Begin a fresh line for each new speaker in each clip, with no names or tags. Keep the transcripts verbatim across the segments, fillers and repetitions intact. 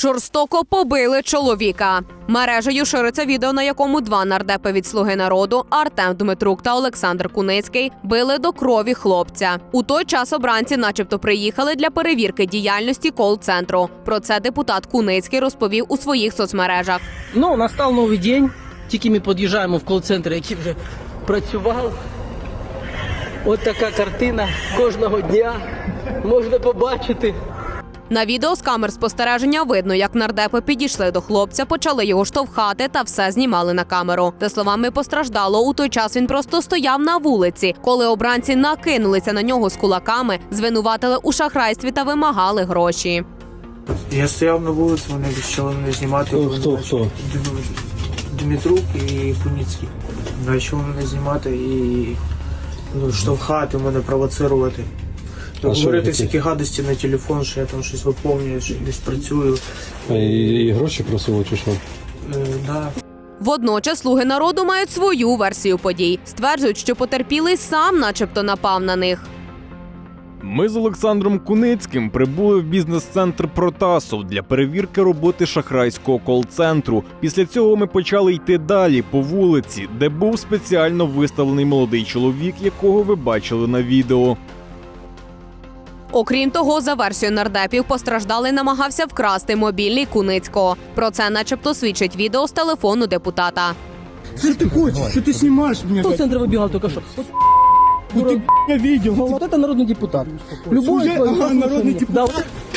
Жорстоко побили чоловіка. Мережею шириться відео, на якому два нардепи від «Слуги народу» Артем Дмитрук та Олександр Куницький били до крові хлопця. У той час обранці начебто приїхали для перевірки діяльності кол-центру. Про це депутат Куницький розповів у своїх соцмережах.
Ну, настав новий день, тільки ми під'їжджаємо в кол-центр, який вже працював. Ось така картина кожного дня можна побачити.
На відео з камер спостереження видно, як нардепи підійшли до хлопця, почали його штовхати та все знімали на камеру. За словами постраждалого, у той час він просто стояв на вулиці. Коли обранці накинулися на нього з кулаками, звинуватили у шахрайстві та вимагали гроші.
Я стояв на вулиці, вони почали мене знімати.
Хто, хто, хто?
Дмитрук і Куницький. Почали мене знімати і ну, штовхати мене, провоцирувати.
А
Говорити
що
всякі гадості на телефон, що я там щось виповнюю, що десь працюю.
А і, і гроші просили чи що?
Е, да.
Водночас «Слуги народу» мають свою версію подій. Стверджують, що потерпілий сам начебто напав на них.
Ми з Олександром Куницьким прибули в бізнес-центр «Протасов» для перевірки роботи шахрайського кол-центру. Після цього ми почали йти далі по вулиці, де був спеціально виставлений молодий чоловік, якого ви бачили на відео.
Окрім того, за версією нардепів, постраждалий намагався вкрасти мобільний Куницького. Про це начебто свідчить відео з телефону депутата.
Что ты хочешь? Что ты снимаешь меня?
Хто з центру вибігав тільки що?
Ну ты я видел.
Вот это народний депутат. Любой
Служи-
свой-
ага, народний депутат.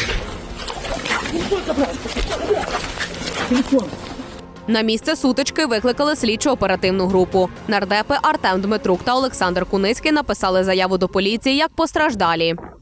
Да.
На місце сутички викликали слідчо-оперативну групу. Нардепи Артем Дмитрук та Олександр Куницький написали заяву до поліції як постраждалі.